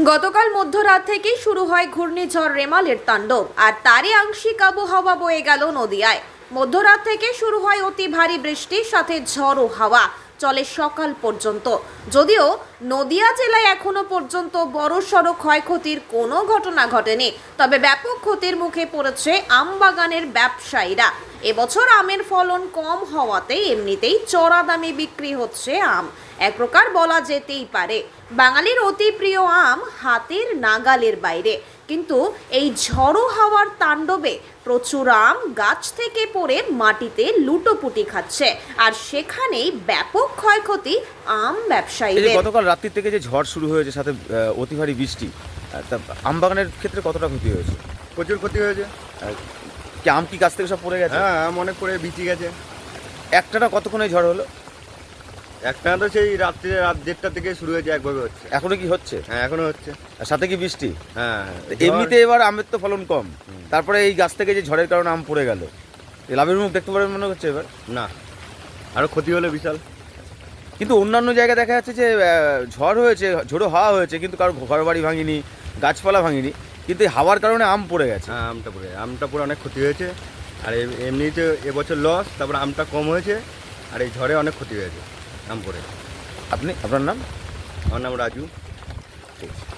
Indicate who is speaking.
Speaker 1: গতকাল মধ্যরাত থেকেই শুরু হয় ঘূর্ণিঝড় রেমালের তাণ্ডব, আর তারই আংশিক আবহাওয়া বয়ে গেল নদিয়ায়। মধ্যরাত থেকে শুরু হয় অতি ভারী বৃষ্টির সাথে ঝড়ো হাওয়া, চলে সকাল পর্যন্ত। যদিও নদিয়া জেলায় এখনো পর্যন্ত বড়সড় ক্ষয়ক্ষতির কোনো ঘটনা ঘটেনি, তবে ব্যাপক ক্ষতির মুখে পড়েছে আম বাগানের ব্যবসায়ীরা। এবছর আমের ফলন কম হওয়াতে এমনিতেই চড়া দামে বিক্রি হচ্ছে আম। এক প্রকার বলা যেতেই পারে বাঙালির অতি প্রিয় আম হাতের নাগালের বাইরে। কিন্তু এই ঝড়ো হাওয়ার তাণ্ডবে প্রচুর আম গাছ থেকে পড়ে মাটিতে লুটোপুটি খাচ্ছে, আর সেখানেই ব্যাপক ক্ষয়ক্ষতি আম ব্যবসায়ীদের।
Speaker 2: গতকাল রাত্রি থেকে যে ঝড় শুরু হয়েছে, সাথে অতি ভারী বৃষ্টি, তা আম বাগানের ক্ষেত্রে কতটা ক্ষতি হয়েছে?
Speaker 3: প্রচুর ক্ষতি হয়েছে।
Speaker 2: কি আম কি গাছ থেকে সব পড়ে গেছে?
Speaker 3: হ্যাঁ, আম অনেক পড়ে বিচি গেছে।
Speaker 2: একটানা কতক্ষণে ঝড় হলো?
Speaker 3: একটা তো সেই রাত্রে রাত 1:30 থেকে শুরু হয়েছে, একভাবে হচ্ছে।
Speaker 2: এখনো কি হচ্ছে?
Speaker 3: হ্যাঁ, এখনো হচ্ছে।
Speaker 2: আর সাথে কি বৃষ্টি?
Speaker 3: হ্যাঁ,
Speaker 2: এমনিতে এবার আমের তো ফলন কম, তারপরে এই গাছ থেকে যে ঝড়ের কারণে আম পড়ে গেল, লাভের মুখ দেখতে পারবেন মনে হচ্ছে এবার?
Speaker 3: না, আরো ক্ষতি হলো বিশাল।
Speaker 2: কিন্তু অন্যান্য জায়গায় দেখা যাচ্ছে যে ঝড় হয়েছে, ঝোড়ো হাওয়া হয়েছে, কিন্তু কারো ঘর বাড়ি ভাঙিনি, গাছপালা ভাঙিনি, কিন্তু এই হাওয়ার কারণে আম পড়ে গেছে।
Speaker 3: হ্যাঁ, আমটা পড়ে অনেক ক্ষতি হয়েছে। আর এমনিতে এবছর লস, তারপরে আমটা কম হয়েছে, আর এই ঝড়ে অনেক ক্ষতি হয়েছে আম পড়ে।
Speaker 2: আপনার নাম?
Speaker 3: আমার নাম রাজু।
Speaker 2: ঠিক আছে।